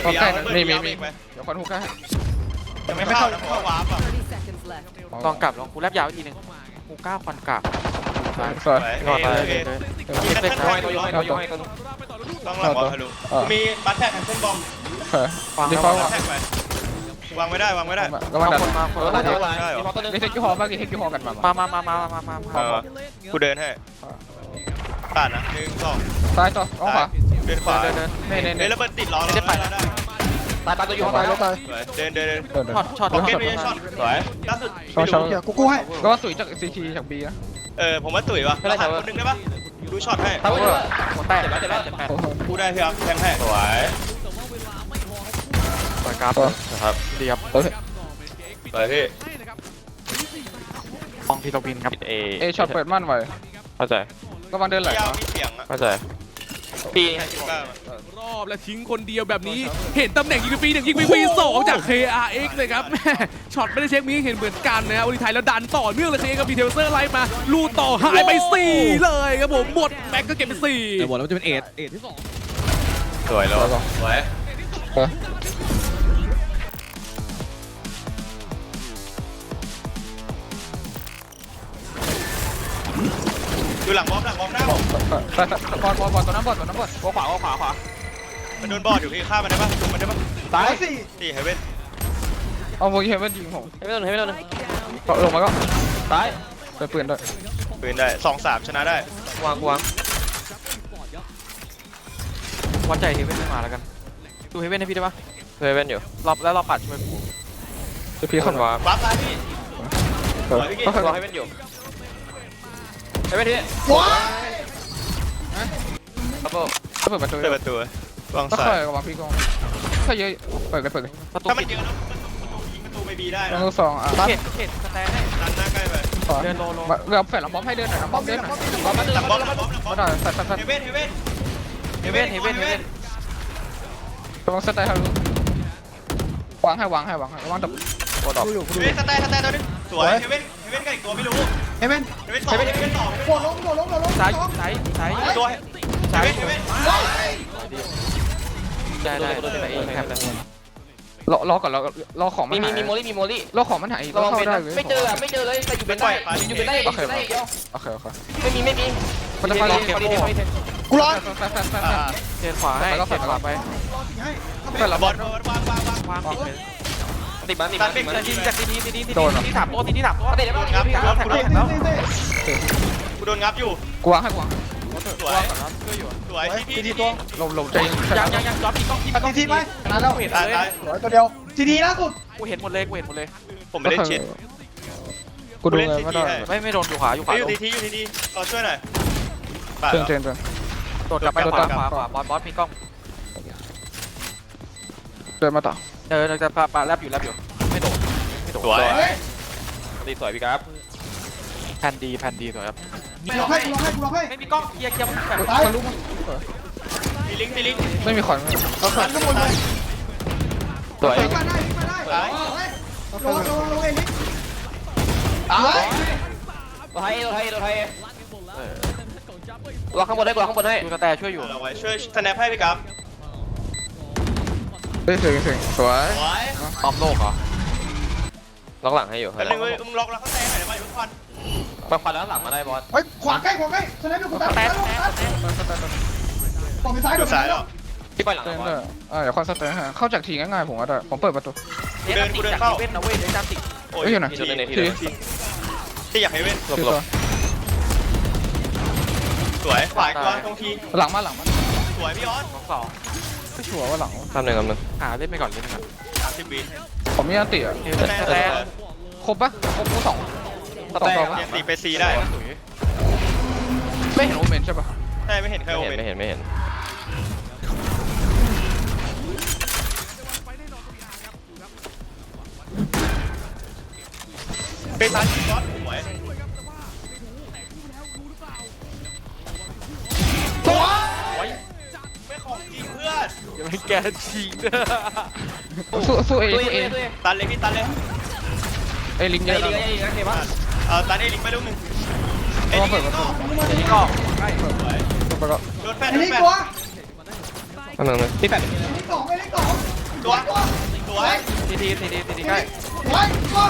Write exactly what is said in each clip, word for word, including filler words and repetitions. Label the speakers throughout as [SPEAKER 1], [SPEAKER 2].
[SPEAKER 1] ก็ใกล้
[SPEAKER 2] มีมีมีเดี๋ยวคนฮุกได้ยังไม่เข้าเข้าวาร์ปอ่ะ
[SPEAKER 1] ลองกลับลองกูแลบยาวอีกทีนึงกูก้าวควันกลับ
[SPEAKER 2] สวย
[SPEAKER 1] งอตาย
[SPEAKER 2] โอเค
[SPEAKER 1] เลย
[SPEAKER 2] มีแพทเทิร์น
[SPEAKER 3] ตัว
[SPEAKER 2] ตัว
[SPEAKER 3] โย
[SPEAKER 2] ย้อย
[SPEAKER 3] ให้ตัวโยให้ตัว
[SPEAKER 2] ต้องหลังบอลทะลุมีบัตแท็กแคนเซิลบอม
[SPEAKER 1] เฮ้ยฟัง
[SPEAKER 2] ดี
[SPEAKER 1] แล้ว
[SPEAKER 2] ฟอล
[SPEAKER 1] ว่า
[SPEAKER 2] แท็กไปวางไม่ได้วางไม่ได้
[SPEAKER 1] ก็มาคนมาคน
[SPEAKER 3] ตัว
[SPEAKER 1] มา
[SPEAKER 3] นึงมีมอตัวนึง
[SPEAKER 2] ดีเทคยูฮอลบ้างดีเทคยูฮอลกันมา
[SPEAKER 1] มามามามามามา
[SPEAKER 2] เออกูเดินให้ผ่านนะหนึ่งสอง
[SPEAKER 1] ซ้ายต่ออ้อมขวา
[SPEAKER 2] เดินขวา
[SPEAKER 1] เดินเดินเน่เน่
[SPEAKER 2] เฮ้
[SPEAKER 1] เน่
[SPEAKER 2] ยระเบิดติดล้อเราได้
[SPEAKER 3] ตายตายตัวโย
[SPEAKER 4] ตายแล้วตาย
[SPEAKER 2] สวยเดินเดินเดิน
[SPEAKER 1] ช็อตช็อต
[SPEAKER 2] โอเคไม่ใช่ช็อตสวยล่าสุด
[SPEAKER 4] ช็อตช็อตเดี๋ยวกูกู้ให้
[SPEAKER 1] ก็ว่าสุยจากซีทีจากบีนะ
[SPEAKER 2] เออผมว่าตุ๋ยวะเราหันคนนึงได้ปะดูช็อตให้
[SPEAKER 3] ตายตัวโย
[SPEAKER 1] หัวแตก
[SPEAKER 3] เจ็บแล้วเจ็บแล้ว
[SPEAKER 1] เจ็บแปด
[SPEAKER 2] กูได้พี่ครับแทงให้สวย
[SPEAKER 1] ปล่อยกราฟ
[SPEAKER 2] นะครับ
[SPEAKER 1] เรียบ
[SPEAKER 2] สวยพี่
[SPEAKER 1] มองทีตวินครับ
[SPEAKER 3] เอ
[SPEAKER 1] เอช็อตเปิดมั่นไว้
[SPEAKER 3] เข้าใจ
[SPEAKER 1] ก็วันเดินไหล
[SPEAKER 2] ยาวมีเสียงอ่ะ
[SPEAKER 3] เข้าใจปี
[SPEAKER 5] รอบและทิ้งคนเดียวแบบนี้เห็นตำแหน่งยิงปีหนึ่งยิงปีสองจาก เค อาร์ เอ็กซ์เลยครับแม่ช็อตไม่ได้เช็คมีเห็นเหมือนกันนะอุริไทยแล้วดันต่อเนื่องเลยเคกับดีเทลเซอร์ไล่มาลูต่อหายไปสี่เลยครับผมหมดแม็กก็เก็บไปสี่แต่บอกแล้วมันจะเป็นเอทเอทที่สอง
[SPEAKER 2] สวยแล้วสวยดูหลังบอมหลังบอมหน้าผม
[SPEAKER 1] บอลบอลบอลตัวน้ำบอลตัวน้ำบอล
[SPEAKER 3] ขวาขวาขวาขวา
[SPEAKER 2] มันโดนบอดอยู่พี่ฆ่ามันได้ปะลุมมันได้ปะ
[SPEAKER 4] ตายสิ
[SPEAKER 2] ตีเฮเว่น
[SPEAKER 1] เอาโมกี้เฮเว่นยิงผม
[SPEAKER 3] ให้ไม่โดนให้ไม่โดน
[SPEAKER 1] ลงมาก็
[SPEAKER 3] ตาย
[SPEAKER 1] ไปปืนด้วย
[SPEAKER 2] ปืนได้สองสามชนะได้
[SPEAKER 3] วางวาง
[SPEAKER 1] วัดใจเฮเว่นไม่มาแล้วกันดูเฮเว่นให้พี่ได้ปะ
[SPEAKER 3] เฮเว่นอยู่
[SPEAKER 1] รอบแล้วเราปัดช่วยผมจะพี่เข้ามา
[SPEAKER 3] วาง
[SPEAKER 2] วาร์ปซ้ายพี่สวยพี่กิ๊
[SPEAKER 3] วางเฮเว่นอยู่เฮเว่นที่
[SPEAKER 4] ว้าย
[SPEAKER 3] ครับผม
[SPEAKER 1] เปิดประตู
[SPEAKER 2] เปิดประตูวาง
[SPEAKER 1] ก็
[SPEAKER 2] ซ้า
[SPEAKER 1] ค่อย
[SPEAKER 2] ย
[SPEAKER 1] กับวางพี่กองถ้าเยอะเปิดเลยเปิดเลยประตู
[SPEAKER 2] ถ้ามันเยอะนะประตูยิงประตูไปบีได้
[SPEAKER 1] ประ
[SPEAKER 2] นะ
[SPEAKER 1] ตูสองอ่ะเขตเขตสแตนให้
[SPEAKER 2] ดันหน้าใกล้ไป
[SPEAKER 1] เดินโลโลเรือแฝงลำบอมให้เดินหน่อยลำบอมเดินหน่อย
[SPEAKER 2] บอมหลังบอมหลังบอมหลังบอ
[SPEAKER 1] มาม หน่อยสัตว์สัตว์สัต
[SPEAKER 2] เฮ
[SPEAKER 1] ว์
[SPEAKER 2] เว่นเฮเว่น
[SPEAKER 1] เฮเว่นเฮเว่นเฮเว่นระวังสแตนให้รู้วางให้วางให้วางให้วางดับ
[SPEAKER 3] โคตรดอก
[SPEAKER 4] กูอยู่กู
[SPEAKER 2] เฮ
[SPEAKER 4] อยู่
[SPEAKER 2] เว่นสแตนสแตนตัวนึงสวยเฮเว่นเฮเว่นกับอีกตัวไม่รู้
[SPEAKER 4] เฮเว่น
[SPEAKER 2] เฮเว่นสองเฮเว่นสอง
[SPEAKER 4] โดดลงโดดลงโดดลง
[SPEAKER 1] ซ้ายซ้ายซ้าย
[SPEAKER 2] ตัวเฮ
[SPEAKER 1] ซ้าย
[SPEAKER 2] เว่นเฮเว่น
[SPEAKER 1] ได้ได้ได้เองครับรอรอก่อนรอรอของมั
[SPEAKER 3] มี
[SPEAKER 1] น
[SPEAKER 3] มี
[SPEAKER 1] หาย
[SPEAKER 3] มีโมลี่มีโมลี่
[SPEAKER 1] รอของมันหาย
[SPEAKER 3] ระวัง
[SPEAKER 1] เข้า
[SPEAKER 3] เป็น
[SPEAKER 1] ได้
[SPEAKER 3] นะ
[SPEAKER 1] เลย
[SPEAKER 3] ไม่เจออะไม่เจอเลยแต่อยู่เป็นได้อยู่เป็นได้อยู่เป็นได้เดียว
[SPEAKER 1] โอเคโอเค
[SPEAKER 3] ไม่มีไม่มี
[SPEAKER 1] มันจะไป
[SPEAKER 3] เท
[SPEAKER 1] เก็บ
[SPEAKER 3] นเทนเทน
[SPEAKER 4] กูรอ
[SPEAKER 1] แฟนแฟนแฟนเทนขวาให้เทนขวาไป
[SPEAKER 4] ให้
[SPEAKER 1] เปิดระ
[SPEAKER 2] บบ อ
[SPEAKER 1] อ
[SPEAKER 2] ล
[SPEAKER 1] ล
[SPEAKER 2] วางวางวาง
[SPEAKER 1] วางปิดเลย
[SPEAKER 3] ติดมันติดมันติดมัน
[SPEAKER 1] ทีจากทีทีทีทีทีสามตัวทีทีสามตัว
[SPEAKER 3] ติดแล้ว
[SPEAKER 2] งับ
[SPEAKER 3] ติดแล้ว
[SPEAKER 2] กูโดน
[SPEAKER 4] เต้เต้เต้
[SPEAKER 2] กูโดนงับอยู่
[SPEAKER 1] กูวางให้กูวาง
[SPEAKER 2] สวยสวยที่พี่ที่พี่
[SPEAKER 1] หลบหลบใจยังยังยังย้อนพี่กล้องพี่
[SPEAKER 4] ตัดทีทีไปนานแล้ว
[SPEAKER 1] กูเห็น
[SPEAKER 2] ตาย
[SPEAKER 1] เลย
[SPEAKER 2] ตาย
[SPEAKER 4] สวยตัวเดียวทีทีล่าสุด
[SPEAKER 1] กูเห็นหมดเลยกูเห็นหมดเลย
[SPEAKER 2] ผมไม่เล่นชิด
[SPEAKER 1] กูดูเลยไม่ได้ไม่ไม่โดนอยู่ขวาอยู่ขวา
[SPEAKER 2] อยู่ทีทีอยู่ทีทีรอช่วยหน่อย
[SPEAKER 1] เตือนเตือนเตือนโดดกลับไปโดดกลับขวาขวาบอสบอสมีกล้องเดินมาต่อเออจะปาปาแลบอยู่แลบอยู่ไม่โดดไม่โดด
[SPEAKER 2] สวย
[SPEAKER 3] ตีสวยพี่ครับ
[SPEAKER 1] แผ่นดีแผ่นดีสวยครับ
[SPEAKER 4] กูรอให้กูรอให้กูรอให้
[SPEAKER 1] ไม่มีกล้องเคลียร์เคลียร์แบบ
[SPEAKER 4] ตาย
[SPEAKER 1] ทะลุ
[SPEAKER 2] มีลิงก์มีลิงก์
[SPEAKER 1] ไม่มีขอน
[SPEAKER 4] ตันข้างบนเลย
[SPEAKER 3] สวย
[SPEAKER 4] ลิงมาได้ลิงมาได้ลงลงลงเองลิงตาย
[SPEAKER 3] ตัวไทยตัวไทยตัวไทยตัวข้างบนให้ตัวข้างบนให้
[SPEAKER 1] ดูกระแตช่วยอยู่
[SPEAKER 2] เราไว้ช่วยสแนปให้พี่กับ
[SPEAKER 1] เฮ้ยเสียงเสียงสวย
[SPEAKER 2] สวย
[SPEAKER 1] ตอมโลกเหรอ
[SPEAKER 3] ล็อกหลังให้อยู่
[SPEAKER 2] แต่หนึ่งมึงล็อกแล้วเขาแซงหน่อยได้ไหมทุกคน
[SPEAKER 3] มาควันแล้วหลังมาได้บอส
[SPEAKER 4] เฮ้ยขวาใกล้ขวาใกล้สไนเปอร์กู
[SPEAKER 1] ส
[SPEAKER 4] ตัด
[SPEAKER 1] แต
[SPEAKER 4] ตั
[SPEAKER 1] น
[SPEAKER 4] ด
[SPEAKER 1] สแตนสแตน
[SPEAKER 4] ต่อไปซ้าย
[SPEAKER 2] ดู
[SPEAKER 4] ดู
[SPEAKER 2] ซ้า
[SPEAKER 4] ซ้าย ย
[SPEAKER 2] แล้
[SPEAKER 4] แล้ว ว
[SPEAKER 3] พี่ปล่อยหลัง
[SPEAKER 1] สแตน
[SPEAKER 3] บอ
[SPEAKER 1] เดอ
[SPEAKER 3] ส
[SPEAKER 1] ร์อ่าเดี๋ยวคอนสแตนฮะเข้าจากทีง่ายๆผมว่าได้ผมเปิดประตู
[SPEAKER 2] กูเดินกูเดินเข้า
[SPEAKER 1] เว้นนะเว้ยเดี๋ยวจำติด
[SPEAKER 2] โอ้ย
[SPEAKER 1] เฮ้ยอยู่ไหน
[SPEAKER 2] ทีที่อยากให้เว้น
[SPEAKER 3] หลบหลบ
[SPEAKER 2] สวยขวาอีกตัวตรงที
[SPEAKER 1] หลังมาหลังมา
[SPEAKER 2] สวยพี่ออส
[SPEAKER 1] สองสองไม่ชัวร์ว่าหลัง
[SPEAKER 3] ทำหนึ่งทำหนึ่ง
[SPEAKER 1] หาเล่นไปก่อนเล่นไปก่อน
[SPEAKER 2] สามสิบวิ
[SPEAKER 1] ผมมีอันติอ่ะ
[SPEAKER 2] สแตนสแตน
[SPEAKER 1] ครบปะครบกูสองสองตัว
[SPEAKER 2] ยังตีไปซีได้
[SPEAKER 1] ไม่เห็นโอเมนใช่ปะ
[SPEAKER 2] ใช่ไม่เห็นใคร
[SPEAKER 3] ไม่
[SPEAKER 2] โอ
[SPEAKER 3] เห็น
[SPEAKER 2] เมน
[SPEAKER 3] ไม่เห็นไม่เห็น
[SPEAKER 2] ไปซ้ายยิงบอสสวย
[SPEAKER 4] ตัว
[SPEAKER 2] ไม่ของจริงเพื่อน
[SPEAKER 1] อย่าไปแกชิงสู้สู้เอ
[SPEAKER 3] ตัว
[SPEAKER 1] สู้
[SPEAKER 3] เอ
[SPEAKER 1] เอ
[SPEAKER 3] ตัวเอ
[SPEAKER 2] ตันเลยพี่ตันเลย
[SPEAKER 1] เอลิงเย
[SPEAKER 3] ไอ้
[SPEAKER 1] อะ
[SPEAKER 3] ดี
[SPEAKER 1] แล้ว
[SPEAKER 3] ไอ้ดีนะเทปะ
[SPEAKER 2] เออตันเอลิงไปลูกหนึ่งเอ
[SPEAKER 1] ต้อง
[SPEAKER 2] ลิง
[SPEAKER 1] เปิดประตู
[SPEAKER 4] มาดิ
[SPEAKER 1] ก็
[SPEAKER 2] สวย
[SPEAKER 1] ไปก็
[SPEAKER 2] โดนแฟน
[SPEAKER 4] ไอ้
[SPEAKER 2] โดน
[SPEAKER 4] ลิง
[SPEAKER 2] แฟน
[SPEAKER 4] ตัว
[SPEAKER 3] ทำหนึ่งเลยพี่แปด
[SPEAKER 4] ไอ้ลิงสองไอ้ลิงสอง
[SPEAKER 2] ตัวสวย
[SPEAKER 1] ทีทีทีทีทีทีใกล้
[SPEAKER 4] สวยตัว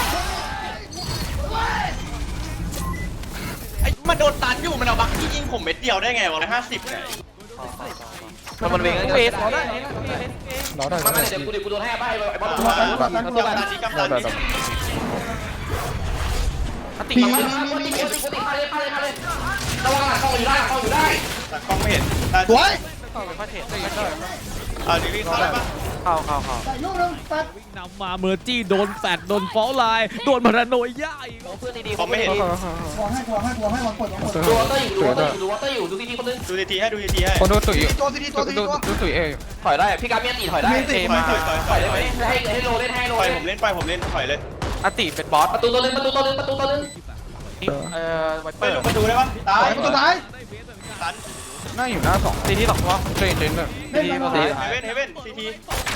[SPEAKER 2] ไอ้มันโดนตันอยู่มันเอาบักที่ยิงผมเม็ดเดียวได้ไงวะร้อยห้าสิบเนี่ย
[SPEAKER 3] มันมันเวง
[SPEAKER 1] เฟสรอได้รอได้
[SPEAKER 3] มันเดี๋ยวกูเดี๋ยวกูโดนให้ใบไอ้บอล
[SPEAKER 2] กำตันนี้กำตันนี้
[SPEAKER 1] ติ
[SPEAKER 3] ตีมันตีมันตีมันตีมันเลยเลยเลยระวังหลังเข้าอยู่ได้เข้าอยู่ได้
[SPEAKER 2] ตัดกล้องไม่เห็น
[SPEAKER 4] สวย
[SPEAKER 1] เข้าไปพระเทศได้ยังได้
[SPEAKER 2] อ่าดีวิ่งเข้าได้ปะ
[SPEAKER 1] เข้าเข้าเข้า
[SPEAKER 4] ใส่ลูกนึงแปด
[SPEAKER 5] วิ่งนำมาเมอร์จี้โดนแฟดโดนฟอลไลน์โดนพาราโนย่าอีก
[SPEAKER 3] เพื่อนดีๆ
[SPEAKER 2] ผมไม่เห็น
[SPEAKER 4] วางให้วางให้วางให้วางกดวางกด
[SPEAKER 3] ดูวอเตอร์อยู่ดูวอเตอร์อยู่ดูวอเตอร์อยู่ดูทีทีคนนึง
[SPEAKER 2] ดูทีทีให้ดูทีทีให้
[SPEAKER 1] คนดูตุ๋ย
[SPEAKER 4] ตัวซีดีตัวซีดี
[SPEAKER 1] ดู
[SPEAKER 4] ตัว
[SPEAKER 1] ดูตุ๋ยเอ
[SPEAKER 3] ถอยได้พี่การเมียตีถอยได้
[SPEAKER 2] ถอยถอยถอยถ
[SPEAKER 3] ถ
[SPEAKER 2] อ
[SPEAKER 3] อย ย
[SPEAKER 2] ถ
[SPEAKER 3] ได้
[SPEAKER 2] อย
[SPEAKER 3] ไหมให้ให้โลเล่นให้โล
[SPEAKER 2] ปล่อย
[SPEAKER 3] เล่น
[SPEAKER 2] ผมเล่นปล่อยผมเล่นถอยเลย
[SPEAKER 1] อติเป็นบอส
[SPEAKER 3] ประตูตัวนึงประตูตัวนึงประตูตัวนึง
[SPEAKER 1] เอ่อไวเป
[SPEAKER 2] ไป
[SPEAKER 1] อร์
[SPEAKER 2] ลงประตูได้ปะตาย
[SPEAKER 4] ตัวท้าย
[SPEAKER 2] ตัน
[SPEAKER 1] น่าอยู่หน้าสองทีที่สองตัวเจนเจนเลยทีที่ปกติ
[SPEAKER 2] เฮเว่นเฮเว่นทีที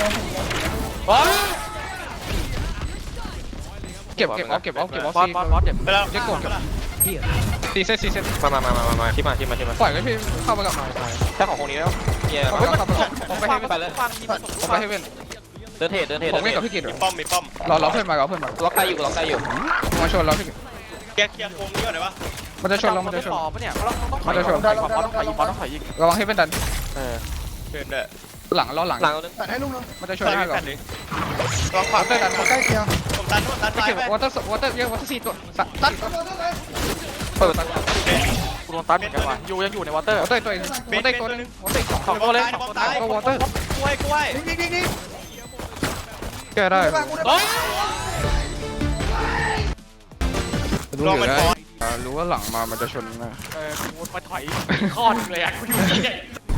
[SPEAKER 1] เก็บเก็บเอาเก็บเอาเก็บเอาซีบอสบอสเก็บ
[SPEAKER 2] ไปแล้ว
[SPEAKER 1] เรียกกดเก็บซีเซตซีเซต
[SPEAKER 3] มามามามามาที่มาที่มาที่มา
[SPEAKER 1] ปล่อยไว้พี่เข้าไปกับหน่อย
[SPEAKER 3] แค่ของคนนี้แล้วเนี่ย
[SPEAKER 1] ผมไปกับผมไปให้
[SPEAKER 3] ไปเลย
[SPEAKER 1] ผมไปให้เว้น
[SPEAKER 3] เดินเทรดเดินเทรด
[SPEAKER 1] ผมเล่นกับพี่กิต
[SPEAKER 2] มีป้อมมีป้อม
[SPEAKER 1] รอรอเพื่อนมาเราเพื่อนมา
[SPEAKER 3] ล็อกใครอยู่ล็อกใครอยู่
[SPEAKER 1] มาชนเราพี่
[SPEAKER 2] เคลียร์เคลียร์โค้งนี้ก่อนได้ปะ
[SPEAKER 1] มันจะชนเรามันจะชน
[SPEAKER 6] เนี่ยเราต้อง
[SPEAKER 1] มันจะชน
[SPEAKER 4] ได้แล้วได้แล้วได้แล้ว
[SPEAKER 6] ต้องถอยยิง
[SPEAKER 1] ระวังให้เป็นดัน
[SPEAKER 2] เดินได้
[SPEAKER 1] หลังล้อหลัง
[SPEAKER 3] หลังนึง
[SPEAKER 4] แปดให้ลูกนึง
[SPEAKER 1] มันจะชน
[SPEAKER 2] ใส่
[SPEAKER 1] ได้
[SPEAKER 2] ไม่
[SPEAKER 1] ก่อ
[SPEAKER 2] แผ่
[SPEAKER 1] น
[SPEAKER 2] นดิลองขวา
[SPEAKER 1] เตอร์ดัน
[SPEAKER 4] ใกล้เคียง
[SPEAKER 2] ผมตันตัน
[SPEAKER 1] พี่
[SPEAKER 2] ตาย
[SPEAKER 1] กิต
[SPEAKER 2] ไป
[SPEAKER 1] วอเตอร์วอเตอร์เยอะวอเตอร์สี่ตัวตัด
[SPEAKER 4] ตัดตัวตัวเลย
[SPEAKER 1] เปิดตัด
[SPEAKER 6] กูโดนตันเหมือนกันว่ะยูยังอยู่ในวอเตอร์
[SPEAKER 1] วอเตอร์ตัวเองวอเตอร์ตัวนึงวอเตอร์สอง
[SPEAKER 6] สองตัวเลย
[SPEAKER 2] บอมตาย
[SPEAKER 1] ก็วอเตอร์
[SPEAKER 2] กล้วยกล้วย
[SPEAKER 4] ดิ้งดิ้งดิ้งดิ้ง
[SPEAKER 1] แก้ได้
[SPEAKER 4] ได้ป่ะกูได้ป่ะ
[SPEAKER 1] รู้อยู่ได้รู้ว่าหลังมามันจะชนนะ
[SPEAKER 6] เออกูมาถอยข้อนึงเลยอ่ะกูอยู่ที่ไหน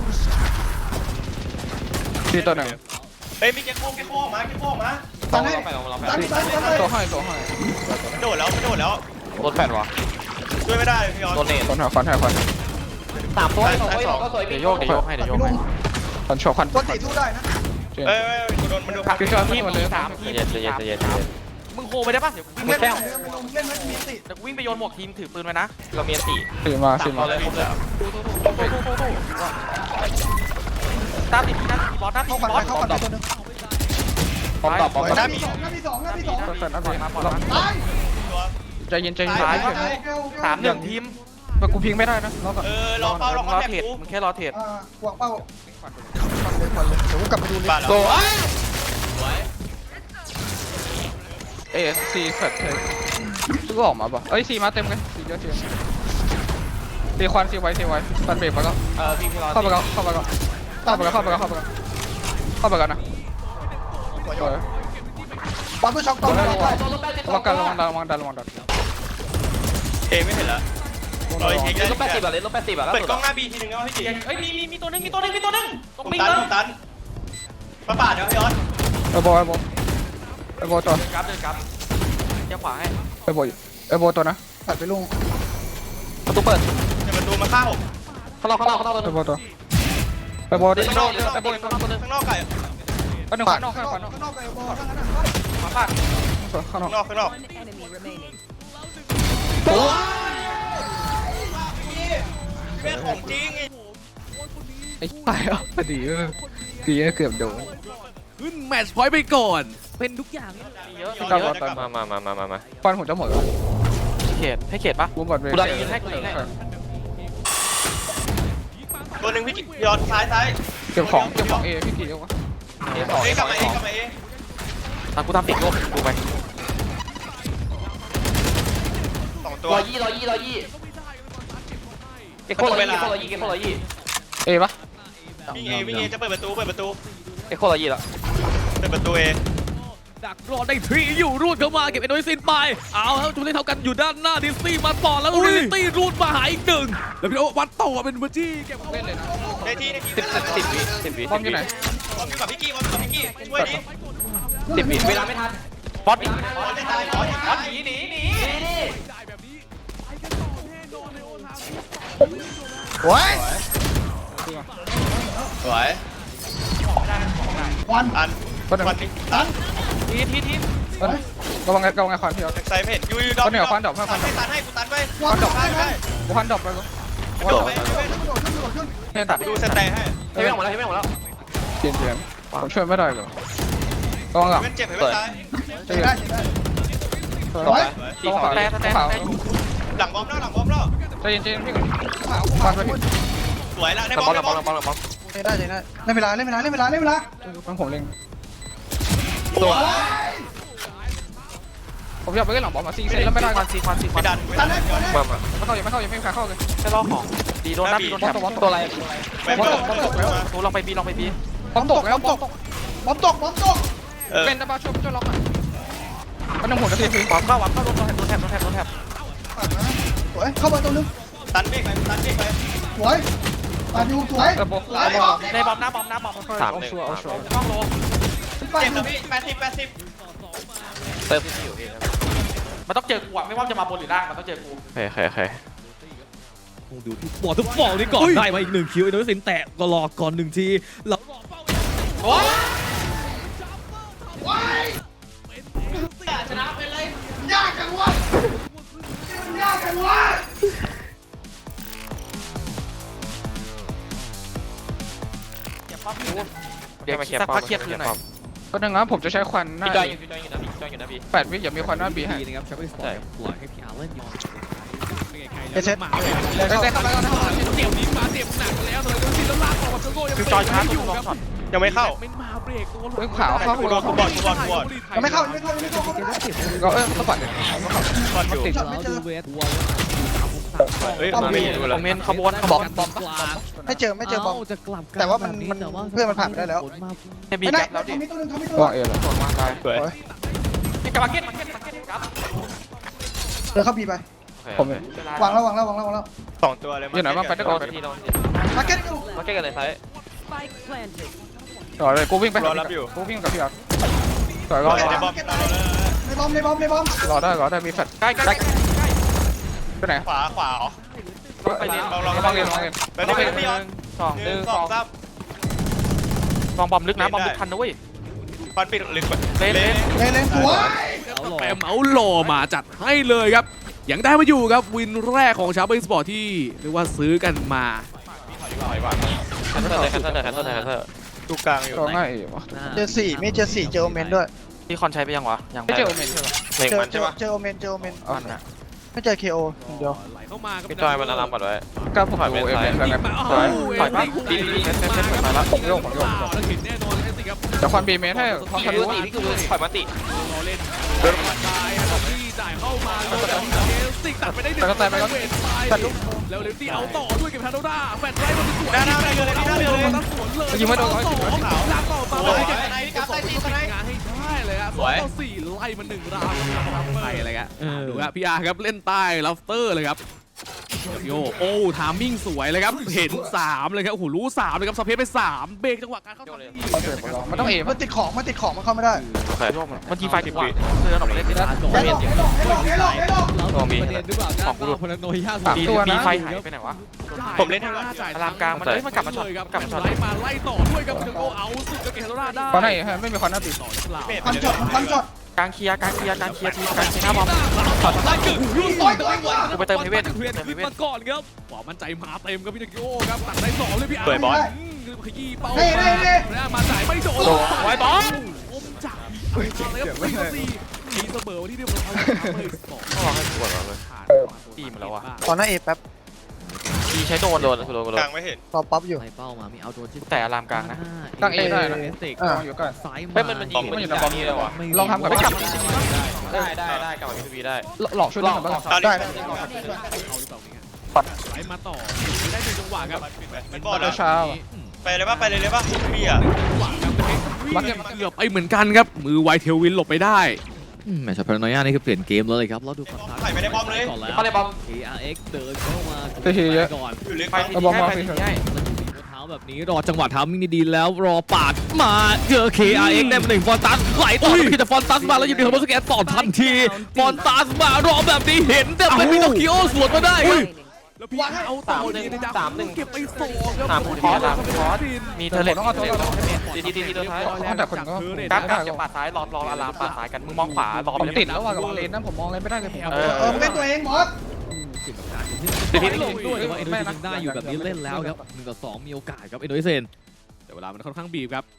[SPEAKER 1] ที่ตัวหนึ่ง
[SPEAKER 2] เฮ้ยมีแกโค้งแกโค้งมาแกโค้งมา
[SPEAKER 4] ตัดให้
[SPEAKER 3] ไปลองลองไป
[SPEAKER 4] ตัดตัดตัดเลย
[SPEAKER 1] ตัวให้ตัวให้
[SPEAKER 2] โดดแล้วโดดแล้ว
[SPEAKER 3] โดนแฟนวะ
[SPEAKER 2] ช่วยไม่ได้พี่ยอน
[SPEAKER 3] โดนเนต
[SPEAKER 1] ควันหัวควันหัวควัน
[SPEAKER 3] สามตัวสองตัวก็สวย
[SPEAKER 6] เดี๋ยวโยกเดี๋ยวโยกให้เดี๋ยวโยกให้
[SPEAKER 1] ควันโชว์ควัน
[SPEAKER 4] ตัวสี่สู้ได้นะ
[SPEAKER 2] เอ้ยโดนมันโดนพัก
[SPEAKER 1] พี่ชอบที่มันเลย
[SPEAKER 6] สาม
[SPEAKER 3] ใจเย็นใจเย็นใจเย็นใจเย็น
[SPEAKER 6] มึงโคไปได้ปะเดี๋ยววิ่ง
[SPEAKER 4] เล่
[SPEAKER 6] ไป
[SPEAKER 4] น
[SPEAKER 6] แล้
[SPEAKER 4] เล่
[SPEAKER 6] วน
[SPEAKER 4] เล่นไหมมีสิ
[SPEAKER 6] เดี๋ยววิ่งไปโยนหมวกทีมถือปืนไว้นะ
[SPEAKER 3] เรามีสี่
[SPEAKER 1] สี่มาสี่มา
[SPEAKER 2] เอาเลยผมเลย
[SPEAKER 6] ตู้ตู้ตู้ตู้ตู้ตู้ตามติดที่นั่นบอสนั่น
[SPEAKER 4] เข้าปัด
[SPEAKER 6] บ
[SPEAKER 4] ไป
[SPEAKER 6] อส
[SPEAKER 4] เข้าปัดไปตัวนึง
[SPEAKER 3] พร้อมตอบพร้อมตอบ
[SPEAKER 4] หน้ามีสองหน้ามีสองหน้ามีสอง
[SPEAKER 1] แฟนอัพ
[SPEAKER 6] ปล่อยมาปล่อยมา
[SPEAKER 4] ตาย
[SPEAKER 1] ใจเย็นใจเย็น
[SPEAKER 6] สามหนึ่งทีม
[SPEAKER 1] แต่กูพิงไม่ได้นะรอก่อน
[SPEAKER 2] เออรอเฝ้ารอ
[SPEAKER 6] มึง
[SPEAKER 2] ค
[SPEAKER 6] ร
[SPEAKER 2] อน
[SPEAKER 6] อ
[SPEAKER 2] แทค
[SPEAKER 6] เทรด
[SPEAKER 2] กู
[SPEAKER 6] มึงแค่รอเทรด
[SPEAKER 4] อ่าวางเป้าควันเลยควันเลยเดี๋ยวกูกลับไปดูเลย
[SPEAKER 2] บ้านเรา
[SPEAKER 3] โด
[SPEAKER 1] เอสซีแฟลตเทสซื้อออกมาป่ะเอ้ยซีมาเต็มเลยซีเยอะซีซีควันซีไว้ซีไว้ตันเบรกไปก็
[SPEAKER 6] เออพี่พี่รอ
[SPEAKER 1] เข้าไปก็เข้าไปก็เข้าไปก็เข้าไปก็เข้าไปก็เข้าไปกันนะ
[SPEAKER 4] ปั๊มตัวช็อกต่อเลย
[SPEAKER 1] ระวังกันระวังดันระวังดันระวังดัน
[SPEAKER 2] เอไม่เห็นแล้วรออีกที
[SPEAKER 3] เลนลบแปดสิบอะเลนลบแปดสิบอะ
[SPEAKER 2] เปิดกล้องหน้าบีทีนึงนะพี่จี
[SPEAKER 6] เฮ้ยมีมีมีตัวนึงมีตัวนึงมีตัวนึงตร
[SPEAKER 2] ผ
[SPEAKER 6] ง
[SPEAKER 2] ม
[SPEAKER 6] ปิง
[SPEAKER 2] ตัน
[SPEAKER 6] เล
[SPEAKER 2] ผ
[SPEAKER 6] ย
[SPEAKER 2] มตันมาปาดเดี๋ยวพี่ยอน
[SPEAKER 1] ไอโบไอโบไอโบตัว
[SPEAKER 6] เดินกราฟเดินกราฟเดี๋ยวขวาให้
[SPEAKER 1] ไอโบไอโบตัวนะ
[SPEAKER 4] ตัดไปลุง
[SPEAKER 3] ประตูเปิด
[SPEAKER 2] ในประตูมาฆ่าผม
[SPEAKER 3] ข้างนอกข้างนอกข้างนอกตัว
[SPEAKER 1] ไอ
[SPEAKER 3] นึง
[SPEAKER 1] โบตัวไอโบดิ
[SPEAKER 2] ข้างนอกไอ้บนข้างนอกข้างนอกไก่
[SPEAKER 1] ก็หนึ่งข้างนอกข้างนอก
[SPEAKER 4] ข้างนอกไปบอลข้างนั้น
[SPEAKER 6] ขวาปาด
[SPEAKER 1] ข้างนอก
[SPEAKER 2] ข้างนอกข้างนอก
[SPEAKER 7] One enemy remaining.
[SPEAKER 2] เป็นของจริง
[SPEAKER 1] ไอ้ตายอ่ะดีดีเกือบโดน
[SPEAKER 5] ขึ้นแมตช์พอยต์ไปก่อน เป็นทุกอย่าง
[SPEAKER 6] เยอะ
[SPEAKER 1] กลับก่อน
[SPEAKER 3] มามามามามามา
[SPEAKER 1] ควันผมจะหมดแล้ว
[SPEAKER 6] เขตให้เขตปะ
[SPEAKER 1] บูมบอดเว
[SPEAKER 2] ตัวหนึ่งพี่ยอนซ้ายซ้าย
[SPEAKER 1] เก็บของเก็บของเอพี่กี่เดียววะ
[SPEAKER 3] เอสอง
[SPEAKER 2] เอ้
[SPEAKER 3] เอย ส
[SPEAKER 2] กลั
[SPEAKER 3] อบ ง
[SPEAKER 2] มา
[SPEAKER 3] เอ
[SPEAKER 2] เอ
[SPEAKER 3] สอง
[SPEAKER 2] กลับมาเอ
[SPEAKER 6] ตามกูทำติดโลกดูไป
[SPEAKER 2] สองตัว
[SPEAKER 3] ร้อยยี่ร้อยยี่ร้อยยี่เก็บโคร้อยยี่เก็บโคร้อยยี่เก็บโคร้อยยี่
[SPEAKER 1] เอปะ
[SPEAKER 2] วิ่งเอวิ่งเอจะเปิดประตูเปิดประตู
[SPEAKER 3] เก็บโคร้อยยี่แล้ว
[SPEAKER 2] เปิดประตูเอ
[SPEAKER 5] ดักรอได้ทรีอยู่รูดเข้ามาเก็บเอ็นโดยซินไปเอาครับจุดที่เท่ากันอยู่ด้านหน้าดิสตี้มาต่อแล้วริลิตี้รูดมาหาอีกหนึ่งแล้วพี่โอวัดต่อเป็นเบอร์จี้เก็บ
[SPEAKER 1] เล่นเลยนะ
[SPEAKER 2] ในที่ในที่
[SPEAKER 3] สิบสิบวิสิบวิ
[SPEAKER 1] บอมอยู่ไหน
[SPEAKER 2] บอลอยู่กับพี่กี้บอลอยู่กับพี่กี้ช่วยดิ
[SPEAKER 3] สิบวิเวลาไม่ทัน
[SPEAKER 6] บอสดิ
[SPEAKER 2] บอลจะตายบอลจะ
[SPEAKER 6] บอ
[SPEAKER 2] ตา
[SPEAKER 6] ส
[SPEAKER 2] ย
[SPEAKER 6] หนีหนีหนี
[SPEAKER 4] โอ้ย
[SPEAKER 2] สวย
[SPEAKER 4] ควัน
[SPEAKER 2] อัน
[SPEAKER 1] ก็หนึ่ง
[SPEAKER 2] วันนี้ตัน
[SPEAKER 6] ทีทีที
[SPEAKER 1] ระวังระวังไอ้ควันพี่เอา
[SPEAKER 2] แท็กไซไม่เห็นยูยูดอกให้ตันให้กูตันไป
[SPEAKER 4] ควันดอก
[SPEAKER 2] ได้
[SPEAKER 4] ได้
[SPEAKER 2] ได้
[SPEAKER 1] กูพันดรอปไปกู
[SPEAKER 2] กระโดดไป
[SPEAKER 4] กระโดดขึ้นกระโดดขึ้น
[SPEAKER 1] เนี่ยตัด
[SPEAKER 2] ดูสแตนให้
[SPEAKER 3] เฮ้ยไม่หมดแล้วเฮ้ยไม่หมดแล้ว
[SPEAKER 1] เปลี่ยนเปลี่ยน
[SPEAKER 3] ข
[SPEAKER 1] ผมช่วยไม่ได้เลยระวังหลัง
[SPEAKER 2] เป็นเจ็บเห็นเป็นตาย
[SPEAKER 4] เจ็บได้เจ็บได้
[SPEAKER 1] ระวัง
[SPEAKER 6] ตีสองแต่แต่
[SPEAKER 1] ขาว
[SPEAKER 6] แต่
[SPEAKER 2] หลังบอมแล้วหลังบอมแล้ว
[SPEAKER 1] ใจเย็นใจเย็นพี่ก่อน
[SPEAKER 4] ขาว
[SPEAKER 1] ฟั
[SPEAKER 4] ขาน ว
[SPEAKER 1] ไปพี่
[SPEAKER 2] สวยแล้วใน
[SPEAKER 6] แต่
[SPEAKER 2] บบ อ
[SPEAKER 6] อ
[SPEAKER 2] ม
[SPEAKER 6] ล
[SPEAKER 2] ใน
[SPEAKER 6] แต่
[SPEAKER 2] บบ อ
[SPEAKER 6] อ
[SPEAKER 2] ม
[SPEAKER 6] ลแต่บอลแต่บอล
[SPEAKER 4] เจ็บได้เจ็บได้เล่นเวลาเล่นเวลาเล่นเวลาเล่นเวลา
[SPEAKER 1] มันผมเล็ง
[SPEAKER 2] สวย
[SPEAKER 1] ผมอยากไปเล่นหลังบอลมาซีเซ็นแล้วไม่ได้
[SPEAKER 6] ควันซีควันซีค
[SPEAKER 2] ไม่
[SPEAKER 6] วัน
[SPEAKER 2] ดันไม่
[SPEAKER 4] ตั
[SPEAKER 2] ดั
[SPEAKER 4] น
[SPEAKER 2] น
[SPEAKER 4] ได้ตันได้
[SPEAKER 6] มามา
[SPEAKER 1] ไม่เข้ายังไม่เข้ายังไม่มีใครเข้าเลย
[SPEAKER 6] แค่รอของดีโดนหน้าบีโดนแถบ
[SPEAKER 1] ตัวอะไร
[SPEAKER 2] ไปเปิด
[SPEAKER 6] ตูลองไปบีลองไปบี
[SPEAKER 1] บอมตกแล้วบอมตก
[SPEAKER 4] บอมตกบอมตก
[SPEAKER 2] เออ
[SPEAKER 1] เป็นตะบาช่วยช่วยล็อกหน่อยมันต้องหัวจะทีที
[SPEAKER 6] ขวาเข้าขวาเข้าโดนโดนแถบโดนแถบโดนแถบ
[SPEAKER 4] สวยเข้ามาตัวนึง
[SPEAKER 2] ตันเบรกไปตันเบรกไป
[SPEAKER 4] สวยมาอยู่สวย
[SPEAKER 1] เออโบ
[SPEAKER 4] สวย
[SPEAKER 6] ในบอมหน้าบอมหน้าบอม
[SPEAKER 1] สามหนึ่งเอาชัวร์
[SPEAKER 6] ต้องโล
[SPEAKER 4] ไป
[SPEAKER 2] เจ็บแล้วพี่แปดสิบแปดสิบ
[SPEAKER 6] เติมที่อยู่พี่มันต้องเจอกูอะไม่ว่าจะมาบนหรือล่างมันต้องเจอกู
[SPEAKER 3] โอเคโอเคโอเค
[SPEAKER 7] คงดูที่บอลทุกบอลนี่ก่อนได้มาอีกหนึ่งคิวไอ้นุ้ยสินแตะก็รอก่อนหนึ่งทีแล้ว
[SPEAKER 4] ยากจังวะมันยากจังวะ
[SPEAKER 6] เดี๋ยวสักพักเคลียร์คืนหน่อย
[SPEAKER 1] ก็ดังนั้นผมจะใช้ควันหน้า
[SPEAKER 6] พี่จอยอยู่พี่จอยอยู่นะพี่จอยอยู่นะพี่
[SPEAKER 1] แปดวิอย่ามีควันหน้าบีให้
[SPEAKER 7] ดีนะครับแชมเปี้ยนสปอร์ตปล่อยให้พีอาร์เล่นอยู่
[SPEAKER 4] เอเซ็ต
[SPEAKER 7] มาเลย
[SPEAKER 1] เซ็ตเข้าไปก่อนนะ
[SPEAKER 7] เกี่ยวนี้มาเต็มหนักแล้วเลยดูสิแล้วลากออกกับโจโก้ยัง
[SPEAKER 6] พี่จอยชาร์จ
[SPEAKER 7] อ
[SPEAKER 6] ตัว
[SPEAKER 7] ยู่
[SPEAKER 6] ลอง
[SPEAKER 7] ครับ
[SPEAKER 6] ช็อต
[SPEAKER 2] ยังไม่เข้า
[SPEAKER 7] ไม่มาเบรกตัว
[SPEAKER 1] เฮ้ยขาวเข้า
[SPEAKER 2] กูโดนกูบอลกูบอลกูบอล
[SPEAKER 4] ยังไม่เข้ายังไม่เข้ายังไม่เข้าเขาไม่ได้
[SPEAKER 1] ก็เออต้องปัดเลย
[SPEAKER 2] บอลอยู่
[SPEAKER 1] ติด
[SPEAKER 7] แล้วดูเวททัวร์
[SPEAKER 2] เฮ้ยมาไม่ดู
[SPEAKER 6] ค
[SPEAKER 2] เล
[SPEAKER 6] อม
[SPEAKER 2] ย
[SPEAKER 6] เมนต์ขบวนขบวน
[SPEAKER 7] บอมกลาง
[SPEAKER 4] ไม่เจอไม่เจอบอม
[SPEAKER 7] จะกลับ
[SPEAKER 4] แต่ว่ามันมันเพื่อนมันผ่านไปได้แล้ว
[SPEAKER 6] เอ็มบี
[SPEAKER 4] ไม่ได้
[SPEAKER 6] แบ็คแล้วดิ
[SPEAKER 4] ทำมีตัวนึงทำมีตัว
[SPEAKER 1] วางเอเลย
[SPEAKER 6] วางได้
[SPEAKER 2] สวย
[SPEAKER 6] นี่กับมาร์เก็ตมาร์เก็ตมาร์เก็ตครับ
[SPEAKER 4] เดินเข้าบีไป
[SPEAKER 1] ผม
[SPEAKER 4] วางแล้ววางแล้ววางแล้ววางแล้ว
[SPEAKER 2] สองตัวเลย
[SPEAKER 1] อยู่ไหนบ้างไปได้
[SPEAKER 6] โด
[SPEAKER 1] ก่อน
[SPEAKER 6] นทีโดนที
[SPEAKER 4] มาเก็ตอยู่
[SPEAKER 3] มาเก็ตกันเลยไซส์
[SPEAKER 1] ต่อเลยกูวิ่งไป
[SPEAKER 2] รอรับอยู่
[SPEAKER 1] กูวิ่งกับพี่อาร์ต่อยรอ
[SPEAKER 2] ในบอม
[SPEAKER 4] ในบอมในบอมในบอม
[SPEAKER 1] รอได้รอได้มีแฟลช
[SPEAKER 6] ใกล้ใกล้
[SPEAKER 1] ไปไหน
[SPEAKER 2] ขวาขวา
[SPEAKER 6] ไปเรียน
[SPEAKER 2] ลองลอง
[SPEAKER 1] ลองเรียนลองเรียน
[SPEAKER 2] ไปเรียน
[SPEAKER 6] ห
[SPEAKER 2] พี่ยอน
[SPEAKER 6] นึ่งสอง
[SPEAKER 2] ห
[SPEAKER 6] ห
[SPEAKER 2] นึ่
[SPEAKER 6] นึ่
[SPEAKER 2] ง
[SPEAKER 6] ง
[SPEAKER 2] ส
[SPEAKER 6] ส
[SPEAKER 2] อ
[SPEAKER 6] อง ง
[SPEAKER 2] สาม
[SPEAKER 6] ลองบอมลึกนะบอมลึกทันนะเว้ย
[SPEAKER 2] ฟันปิดลึก
[SPEAKER 6] เล่นเล่น
[SPEAKER 4] เลนเลนสวย
[SPEAKER 5] แปมเอาหล่อมาจัดให้เลยครับยังได้มาอยู่ครับวินแรกของชาวเบสปอร์ตที่เรียกว่าซื้อกันมา
[SPEAKER 3] แคนเซิลเลยแคนเซิลเลยแคนเซิลเลยแคนเซิล
[SPEAKER 2] ดูกลางอยู่
[SPEAKER 1] รอง่ายเอ๋วะ
[SPEAKER 4] เจอสี่มีเจอสี่เจอโอเมนด้วย
[SPEAKER 6] พี่คอนใช้ไปยังวะยัง
[SPEAKER 1] ไม่เจอโอเมนใช่ปะ
[SPEAKER 3] หนึ่ง
[SPEAKER 4] เจอ
[SPEAKER 3] มัน
[SPEAKER 4] เจ
[SPEAKER 3] ใช่
[SPEAKER 4] อ
[SPEAKER 3] ปะ
[SPEAKER 4] เจอโอเมนเจอโอเมน
[SPEAKER 6] มันอะ
[SPEAKER 4] ไม่เจอเคโอเดียว
[SPEAKER 5] ไหลเข้ามาครับ
[SPEAKER 3] พี่จอยมันอารามก่อนไว้
[SPEAKER 1] กล้าผมดูเอเมนแล้วกัน
[SPEAKER 5] ถอย
[SPEAKER 6] ถอยปะดีดีเซตเซตเซตถอยมาแล้ว
[SPEAKER 1] ผมโยกผมโยก
[SPEAKER 5] แล้วเห็นแน่นอนเลยสิครับ
[SPEAKER 1] แต่ควันบีเมนให้คอนทะลุ
[SPEAKER 3] พี่คือถอยมาติ
[SPEAKER 5] รอเล่นเดินมาได้ครับที่จ่ายเข้ามาแล้วเอลสิกตัดไปได้หนึ่งเวทไปแล้วเลตี้เอาต่อด้วยเก็บทาโดด้าแฟนไล่มาสวยตั้งสวนเลยลากต่อมาเลยงานให้ได้เลยครับสองต่อสี่ไล่มาหนึ่งราวครับไปอะไรกันดูครับพี่อาร์ครับเล่นใต้ลัฟเตอร์เลยครับโยโอ้ทามมิ่งสวยเลยครับเห็นสามเลยครับโอ้โหรู้สามเลยครับสเปซไปสามเบรกจังหวะการเข้าทำที่
[SPEAKER 1] มันต้องเอ
[SPEAKER 4] มั
[SPEAKER 1] มัน
[SPEAKER 4] นติดของมันติดของมันเข้าไม่ได้
[SPEAKER 3] โอเค
[SPEAKER 6] มันทีไฟติดว่าเดินออกไปเล่นไม่ได้
[SPEAKER 4] ไอ้หลอกไอ้หลอกไอ้หลอกไอ้หลอกไอ้หลอก
[SPEAKER 3] ตัวมี
[SPEAKER 7] ประเด็นหรือเปล่าของกูพลังโนย่า
[SPEAKER 6] มีมีไฟหายไปไหนวะ
[SPEAKER 2] ผมเล่นให้ก่อน
[SPEAKER 6] อารามกลางมันเอ้ยมันกลับมาช็อตกลับมาช็อต
[SPEAKER 5] ไล่มาไล่ต่อด้วยครับถึงโอเอาสุดจะเกตโรนาได้
[SPEAKER 1] ควันไหนไม่มีควันหน้าบี
[SPEAKER 5] ต่อหรือเปล่า
[SPEAKER 4] พันช็อตพันช็อต
[SPEAKER 6] กลางเคลียร์กลางเคลียร์กลางเคลียร์ทีกลางเคลียร์หน้าบอม
[SPEAKER 7] ไล่กึ่งรุ่นต่อยต่อย
[SPEAKER 6] กูไปเติมเฮเว่น
[SPEAKER 7] เวียนขึ้นมาก่อนครับหวังมั่นใจมาเต็มครับพี่นิโก้ครับตัดได้สองเลยพี่อาร์ขยี้เป้าแล้วมาจ่ายไม่โดน
[SPEAKER 6] ไว้บอล
[SPEAKER 5] อมจับเลยครับสี่ต่อสี่มีเสมอที่เรียบร้อยเลยสอง
[SPEAKER 3] ต้องรอให้ปวดแล้วเลย
[SPEAKER 6] ตีมาแล้วอะ
[SPEAKER 4] ตอนนั้นเอแป๊บ
[SPEAKER 6] ทีใช้โดน
[SPEAKER 3] โดนโดนโด
[SPEAKER 2] ก
[SPEAKER 3] น
[SPEAKER 2] ลางไม่เห็น
[SPEAKER 4] ตอปั๊บอยู่
[SPEAKER 7] ไล่เป้ามามีเอาโดนที่
[SPEAKER 6] แต่อารามกลางนะ
[SPEAKER 1] ตั้งเอได้นะ
[SPEAKER 7] เอสติก
[SPEAKER 1] ลองอยู่กัน
[SPEAKER 7] ซ้าย
[SPEAKER 3] เฮ้ยมันมันยิงมันยิงจากนี้เลยวะ
[SPEAKER 1] ลองทำกับ
[SPEAKER 6] ไม่
[SPEAKER 1] ไม่
[SPEAKER 6] กลั
[SPEAKER 1] ก
[SPEAKER 6] บ
[SPEAKER 1] ลับ
[SPEAKER 6] มา
[SPEAKER 3] ได้ได้ได้กลับมาพีพีได้
[SPEAKER 1] หลอกช่วยเล่นกับบ้าง
[SPEAKER 2] ตอน
[SPEAKER 4] ได้
[SPEAKER 2] นี้
[SPEAKER 5] เอาหรือเปล่าไหลมาต่อได้หนึ่งจังหวะครับ
[SPEAKER 2] เป็นบอล
[SPEAKER 1] เช้า
[SPEAKER 2] นะ
[SPEAKER 1] เช้า
[SPEAKER 2] ไปเลยป่ะไปเลยเลยป่ะพี่อ่ะ
[SPEAKER 5] มันเกือบไปเหมือนกันครับมือไวเทลวินหลบไปได้
[SPEAKER 7] แมตช์พลังโนย่านี่คือเปลี่ยนเกมเลยครับแล้วดูฝั่งซ้าย
[SPEAKER 2] ใส่ไม่ได้บอมเลย
[SPEAKER 7] ก่อนแล้ว
[SPEAKER 6] เขาเลยบอม
[SPEAKER 7] เอ อาร์ เอ็กซ์เดินเข้ามา
[SPEAKER 1] ไปทีเยอะ
[SPEAKER 7] ก่อน
[SPEAKER 2] อยู่ลึก
[SPEAKER 6] ไป
[SPEAKER 2] ไป
[SPEAKER 6] ทีให้ไปทีให้
[SPEAKER 7] เท้าแบบนี้รอจังหวะทำมิ่งดีๆแล้วรอปาดมาเจอ เค อาร์ เอ็กซ์ ได้มาหนึ่งฟอนตัสไหลต่อพี่แต่ฟอนตัสมาแล้วอยู่ในคอมโบสแกนต่อทันทีฟอนตัสมารอแบบนี้เห็นแต่เป็นพิโนคิโอสวนมาได้ครับ
[SPEAKER 5] แล้วพี่เอาต่อเลยในดาวเก็บไปสองครับ
[SPEAKER 3] สาม
[SPEAKER 6] ค
[SPEAKER 3] ที
[SPEAKER 6] อร์ส
[SPEAKER 3] สาม
[SPEAKER 6] คอร์สมีเทเลต
[SPEAKER 3] ทีทีทีทีตัวท้าย
[SPEAKER 1] แต่คนก็
[SPEAKER 6] กราฟกราฟจะปาดซ้ายรอรออารามปาดซ้ายกันมึงมองขวารอ
[SPEAKER 1] ผมติดแล้วว่ะกับเลนนั้นผมมองอะไรไม่ได้เลยผม
[SPEAKER 6] เออ
[SPEAKER 4] เออมึงเป็นตัวเองบอส
[SPEAKER 7] ทีนี้ลงด้วยแต่ว่าเอ็นโดยเซนได้อยู่แบบนี้เล่นแล้วครับหนึ่งต่อสองมีโอกาสครับเอ็นโดยเซน
[SPEAKER 5] แต่เวลามันค่อนข้างบีบครับ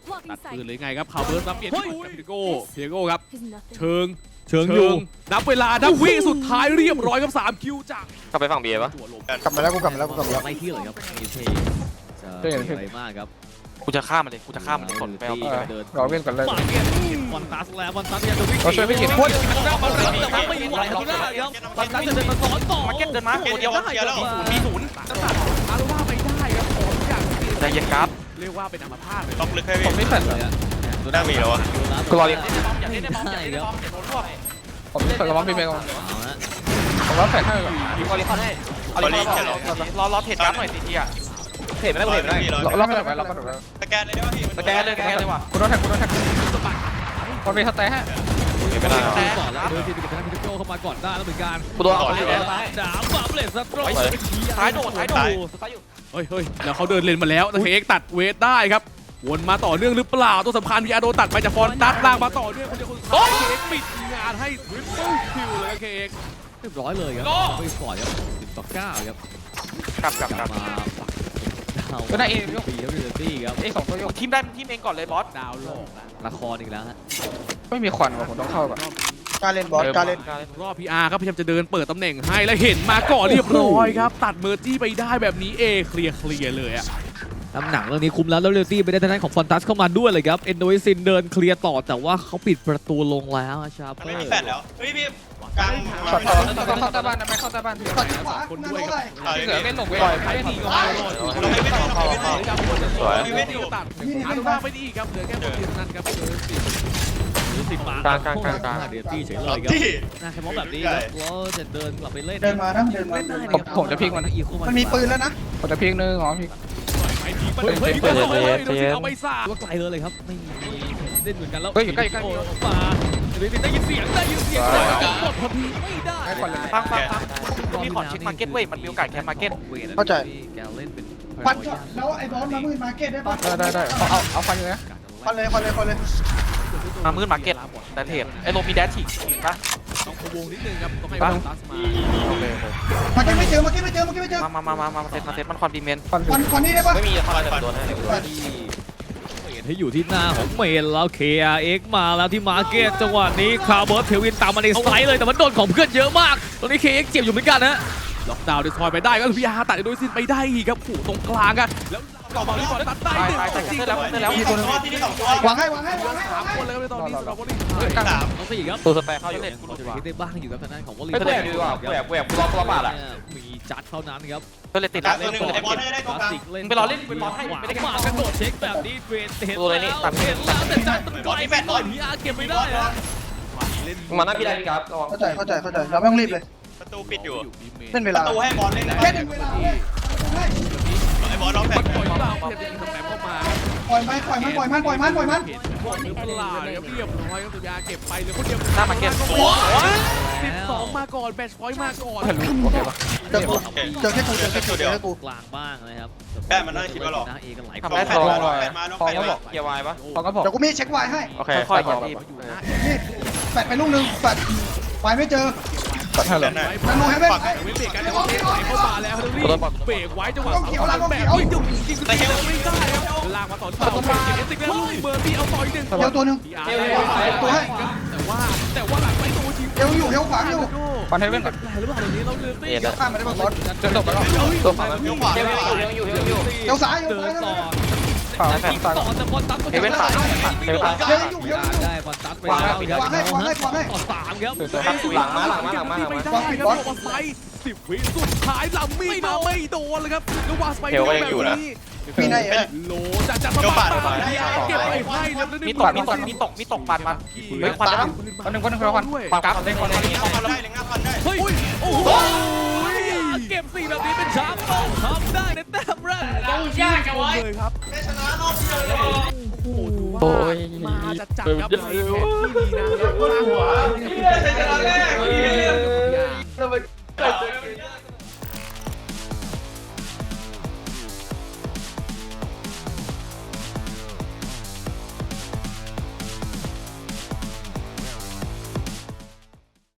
[SPEAKER 5] ตัดปืนเลยไงครับคาวเบิร์สรับเปลี่ยนที่เพียโก้เพียโก้ครับ
[SPEAKER 8] is nothing.
[SPEAKER 5] เชิง
[SPEAKER 7] เชิงอยู่
[SPEAKER 5] นับเวลานับวิสุดท้ายเรียบร้อยครับสามคิวจาก
[SPEAKER 3] เข้าไปฝั่งเบียร์ปะ
[SPEAKER 5] ตัวลม
[SPEAKER 4] กลับมาแล้วกูกลับมาแล้วกูกลับมาแล้ว
[SPEAKER 7] ไม่ที่เลยครับมีเทจะอะไรมากครับ
[SPEAKER 6] กูจะฆ่ามันเลยกูจะฆ่ามันเลยสนไปเอา
[SPEAKER 1] เออรอเว้นก่อนเลย
[SPEAKER 7] มาเก็ตฟอนตัสแล้วฟอนตัสยังจะวิ่ง
[SPEAKER 1] เราช่วยไม่กี่คน
[SPEAKER 7] แต่ว่าไม่ไหวแล้วครับฟอนตัสจะเดินมาสอนต่อ
[SPEAKER 6] มาเก็ตเดินมาตัวเดียวมีศูนย์
[SPEAKER 5] อาร์ว่าไปได้ครับขอทุกอย่างที่
[SPEAKER 6] ใจเย็นครับ
[SPEAKER 5] เรียกว่าเป็นอัมพาตเลย
[SPEAKER 2] ล็อกลึกให้
[SPEAKER 1] ผ
[SPEAKER 2] พี่
[SPEAKER 1] มไม่แฟดเลย
[SPEAKER 2] น่ามีแล้ววะ
[SPEAKER 1] กูรอเรียน
[SPEAKER 6] อย่าเล่นในบอมอย่าเล่นในบอมอย่าโดนรวบ
[SPEAKER 1] ผมไม่แฟดระวังพี่เมย์ก่อน
[SPEAKER 7] เอาละ
[SPEAKER 1] ผมรับแฟดให้ก่อน
[SPEAKER 6] มีบอลลีคอนให้
[SPEAKER 2] บอลลี่แค่รอ
[SPEAKER 6] รอรอเทรดการ์ดหน่อยซีทีอ่ะ
[SPEAKER 3] เห็นไหมกูเห็นไหม
[SPEAKER 1] ล็อกไม่ได้ล็อกไม่ได้
[SPEAKER 2] สแกนเลยได้ป่ะพี่
[SPEAKER 6] สแกนเลยสแกนเลยว่ะ
[SPEAKER 1] กูโดนแท็กกูโดนแท็กคนมีสเตย์ให้
[SPEAKER 3] เห็นไม่ได้
[SPEAKER 7] ดูก่อนแล้วโดยที่เป็นทางพิทโก้เข้ามาก่อนได้แล้วเหมือนกัน
[SPEAKER 3] กูโดนเอาไปแล้ว
[SPEAKER 7] ดาบบับเลสซัตโตร
[SPEAKER 6] ซ้ายโดดซ้ายโดดซ้ายอยู่
[SPEAKER 5] เฮ้ยเฮ้ยแล้วเขาเดินเลนมาแล้วแต่เคเอ็กตัดเวทได้ครับวนมาต่อเนื่องหรือเปล่าตัวสำคัญพีอาร์โดตัดไปจากฟอนตัสลากมาต่อเนื่องคนเดียวคนสุดท้ายเคเอ็กปิดงานให้ทริปเปิลคิวเลยเคเอ็ก
[SPEAKER 7] เรียบร้อยเลยครับไม่ปล่อยครับสิบต่อเก้าครับ
[SPEAKER 6] กลับกลับ
[SPEAKER 7] ก
[SPEAKER 6] ก
[SPEAKER 7] ลั
[SPEAKER 6] ลั
[SPEAKER 7] บบ มาปักดาว
[SPEAKER 1] ก็ได้เอง
[SPEAKER 7] ปีแล้วเรตี้ครับ
[SPEAKER 1] เอ้สองตัวโยก
[SPEAKER 6] ทีมได้ทีมเองก่อนเลยบอส
[SPEAKER 5] ดาวโลก
[SPEAKER 7] ละครอีกแล้วฮะ
[SPEAKER 1] ไม่มีควันว่ะผมต้องเข้าก่อน
[SPEAKER 4] การเล่นบอสการเล่น
[SPEAKER 5] รอบพีอาร์ครับพยายามจะเดินเปิดตำแหน่งให้แล้วเห็นมาก่อนเรียบร้อยครับตัดเมอร์จี้ไปได้แบบนี้เอเคลียร์เคลียร์เลยอะ
[SPEAKER 7] น้ำหนังเรื่องนี้คุ้มแล้วแล้วเรตี้ไปได้ทางด้านของฟอนตัสเข้ามาด้วยเลยครับเอนโดยซินเดินเคลียร์ต่อแต่ว่าเขาปิดประตูลงแล้วชาเป
[SPEAKER 2] มัน
[SPEAKER 7] อ
[SPEAKER 2] ไม่มี
[SPEAKER 7] ร์
[SPEAKER 2] แฟดแล้วเฮ้ยพี่กลาง
[SPEAKER 1] ช็อตต่อต้องเข้าใต้บ้านนะไม่เข้าใต้บ้านพี่
[SPEAKER 4] ตัดขวาหน้าเท่าไหร่
[SPEAKER 1] เสือเล่นหลงเว้ยไม่ดีก็ไม่รอด
[SPEAKER 2] เราไม่ไม่เราไม่ไม่
[SPEAKER 3] สวย
[SPEAKER 2] ไม่ไม่อยู่
[SPEAKER 5] ตัดอาร์ตูบ้าไปดีครับเหลือแค่คนเดียวเท่านั้นครับเจอสิ
[SPEAKER 7] หรือสิบมาก
[SPEAKER 3] ลางกลางกลางกลาง
[SPEAKER 7] เรตี้เฉยเลยครับ
[SPEAKER 2] ที่
[SPEAKER 7] น่าแค่มองแบบนี้ครับแล้วจะเดินกลับไปเล่น
[SPEAKER 4] เดินมานะเดินมา
[SPEAKER 7] เล่นได้
[SPEAKER 1] ผมผมจะพลิกมัน
[SPEAKER 7] อีกคู่
[SPEAKER 4] มันมีปืนแล้วนะ
[SPEAKER 1] ผมจะพลิกนึงอ๋อพลิก
[SPEAKER 5] ไปทีไปเลยเฮ้ยดูสิเอาไปซ่า
[SPEAKER 7] ว่าไกลเลยเลยครับไม่มีเล่นเหมือนกันแล้ว
[SPEAKER 1] เฮ้ยอยู่ใกล้อยู่ใกล้
[SPEAKER 7] โอ้มาเรตี้ได้ยินเสียงได้ยินเสียงกดพอดีไม่ได้
[SPEAKER 1] ให้ควันเลย
[SPEAKER 6] ฟังฟังฟังมีขอเช็คมาร์เก็ตเว้ยมันมีโอกาสแคมมาร์เก็ต
[SPEAKER 4] เข้าใจ
[SPEAKER 7] แกเล่นเป็น
[SPEAKER 4] ปัดช็อตแล้วไอ้บอสมามือมาเก็ตได้ปะ
[SPEAKER 1] ได้ได้ได้เอาเอาเอาควันอยู่นะ
[SPEAKER 4] ควันเลยควันเลยควันเลย
[SPEAKER 6] มามืดมาร์เก็ตแต่เทรดไอ้โลมีแดชฉีกฉีกปะ
[SPEAKER 5] ต้องพวงนิดนึงครับต้องให้ฟอนตัสมา
[SPEAKER 4] มาเก็ตไม่เจอมาเก็ตไม่เจอมาเก็ตไม่เจอ
[SPEAKER 6] มามามามามาเซตมาเซตมันคอนบีเมน
[SPEAKER 1] ควัน
[SPEAKER 4] ควันควันนี้ได้ปะ
[SPEAKER 3] ไม่มีอะไรแต่โดนให้
[SPEAKER 7] ที่เห็นให้อยู่ที่หน้าของเมนแล้ว เค อาร์ เอ็กซ์ มาแล้วที่มาร์เก็ตจังหวะนี้คาร์เบิร์ตเทวินตามมาในสไลด์เลยแต่มันโดนของเพื่อนเยอะมากตอนนี้ เค เอ็กซ์ เจ็บอยู่เหมือนกันนะ
[SPEAKER 5] ล็อกดาวน์ดิสทอยไปได้ก็พีอาร์ตัดโดยสิ้นไปได้อีกครับขู่ตรงกลางกันแล้วต่อมาที่ฟอนตัสได้หนึ่ง
[SPEAKER 6] ตายตาย
[SPEAKER 5] จริง
[SPEAKER 6] เสร็จแล้วเสร็จแล้ว
[SPEAKER 2] มีตัวนึงที่นี่สองตัว
[SPEAKER 4] วางให้วางให้วางให้
[SPEAKER 5] สาว
[SPEAKER 4] าง
[SPEAKER 5] ม
[SPEAKER 4] ให้
[SPEAKER 5] คนเลยครับในตอนนี้สำหรับคนที่
[SPEAKER 2] สาม
[SPEAKER 7] น้องสี่ครับ
[SPEAKER 3] ตัวสแปรเข้าอยู่
[SPEAKER 7] ยังพอจะคิดได้บ้างอยู่ครับทางด้านของวอลเล
[SPEAKER 3] เฮ้ย
[SPEAKER 7] ย์
[SPEAKER 3] กูแอบดีกว่ากูแอบกูแอบกูรอตัวบาดอ่ะ
[SPEAKER 7] มีจัดเท่านั้นครับ
[SPEAKER 6] ก็เลยติด
[SPEAKER 2] ตั
[SPEAKER 6] แล้
[SPEAKER 2] ด
[SPEAKER 6] ว
[SPEAKER 2] ตัวหนึ่งไอ้บอลให้ได้ตรงกลาง
[SPEAKER 6] ไปรอเล่นเป็นบอลให้ไม่ได้
[SPEAKER 7] มากระโดดเช็คแบบนี้เวทเห็น
[SPEAKER 6] ตัวอะไรนี่ตัด
[SPEAKER 7] เห็นแล้วแต่จัดมันไกลไปหน่อยพีอาร์เก็บไม่ได้นะ
[SPEAKER 3] มาหน้าพี่ได้พี่ครับระวัง
[SPEAKER 4] เข้าใจเข้าใจเข้าใจเราไม่ต้องรีบเลย
[SPEAKER 2] ประตูปิดอยู่
[SPEAKER 4] เล่นเว
[SPEAKER 2] ป
[SPEAKER 4] ลา
[SPEAKER 2] ระตูให้บอลเล่น
[SPEAKER 4] แค่ดึงเวลาให้
[SPEAKER 2] ไอ้บอลล็อกแฟ
[SPEAKER 5] มัน
[SPEAKER 2] ด
[SPEAKER 5] ปล่อยเปล่าเพียงแต่ยิงสแปมเข้ามา
[SPEAKER 4] ปล่อยมันปล่อยมันปล่อยมันปล่อยมันปล่อยมัน
[SPEAKER 5] เห็นบอลหรือเปล่าครับเรียบร้อยครับสุดยาเก็บไปเหลือคนเดียว
[SPEAKER 6] หน้ามาร์เก็ต
[SPEAKER 5] สิบสองมาก่อนแบชพอยต์มาก่อน
[SPEAKER 1] โอเคปะ
[SPEAKER 4] เจอกูเจอแค่กูเจอแค่กูเจอแค่กู
[SPEAKER 7] กลางบ้างนะครับ
[SPEAKER 2] แป้มันน่าคิดว่าหรอก
[SPEAKER 7] นะเอกันหลายค
[SPEAKER 6] ทำ
[SPEAKER 7] น
[SPEAKER 6] ได้
[SPEAKER 2] แฟ
[SPEAKER 6] ส
[SPEAKER 2] ด
[SPEAKER 6] อง
[SPEAKER 2] มาล็อกแฟดมาล็อกแฟดมา
[SPEAKER 3] เกียร์วายปะ
[SPEAKER 1] พอก็บอก
[SPEAKER 4] เดี๋ยวกูมีเช็ควายให้
[SPEAKER 3] โอเค
[SPEAKER 6] ค่อยๆอย่ารีบ
[SPEAKER 4] นี่แฟดไปลูกนึงแฟดวายไม่เจอ
[SPEAKER 1] ตัดให้เลย
[SPEAKER 4] มันโนให้เว้น
[SPEAKER 5] เว้นเบรกกันแล้วก็เทไหลเข้ามาแล้วรีบเบรกไว้จังหวะแบบนี้จุกจริงๆไม่ได้ครับลากมาต่อที่เราเก็บเอสติกแล้วเบอร์บี้เอาต่ออีกหนึ่ง
[SPEAKER 4] เดี๋ยวตัวนึง
[SPEAKER 5] ตัวให้แต่ว่าแต่ว่าหลังไปตัวที
[SPEAKER 4] เดี๋ยวอยู่เดี๋ยวขวางอยู่
[SPEAKER 1] ควันให้เว้นก่อน
[SPEAKER 5] หรือเปล่าเดี๋ยวนี้เราเลือก
[SPEAKER 3] เอ็ด
[SPEAKER 4] เดี๋ยวข้ามไปได้ปะบอส
[SPEAKER 1] เดินตกไปแล้ว
[SPEAKER 3] ตัวฝั่งนั้นเกียร์ยังอยู่ยังอยู่ยังอยู่
[SPEAKER 4] เดี๋ยวซ้ายเดี๋ยว
[SPEAKER 7] เดิ
[SPEAKER 4] ซ้าน ย
[SPEAKER 7] ต่อ
[SPEAKER 1] ฝ่า
[SPEAKER 7] ยิงต่อแต่บอลตัด
[SPEAKER 6] เฮเว่นตายเฮเว่นตาย
[SPEAKER 4] เดี๋ยวอยู่เดี๋ยวอยู่
[SPEAKER 7] ได้บอลตัดไปแล้วต่อสามครับ
[SPEAKER 3] หลังมาหลังมาหลังมาหลังมา
[SPEAKER 5] ไม่ได้ครับบอลไซสิบวิสุดท้ายลำมีมาไม่โดนเลยครับแล้ววาสไปแบบนี้
[SPEAKER 4] ปีไหนเอ้ย
[SPEAKER 5] โลจะจะมาปาดเก็บไปให้แล้ว
[SPEAKER 6] มีตกมีตกมีตกมีตกปันมาเฮ้ยควันได้
[SPEAKER 1] คนหนึ่งคนหนึ่งคนละควัน
[SPEAKER 6] ปันกราฟได้คน
[SPEAKER 2] ได้
[SPEAKER 6] นี้
[SPEAKER 2] เอาได้เลยงับฟันได้
[SPEAKER 5] เฮ้ยโอ้โห
[SPEAKER 7] เก็บสี่แบบนี้เป็นชาร์ปต้องทำได้ในแต้มแรก
[SPEAKER 5] เลยครับ
[SPEAKER 2] ได้ชนะรอบเดียวเลย
[SPEAKER 5] โอ้โหถือว่ามาจะจับครับในแผนที่ดีนะ
[SPEAKER 2] ได้ชนะ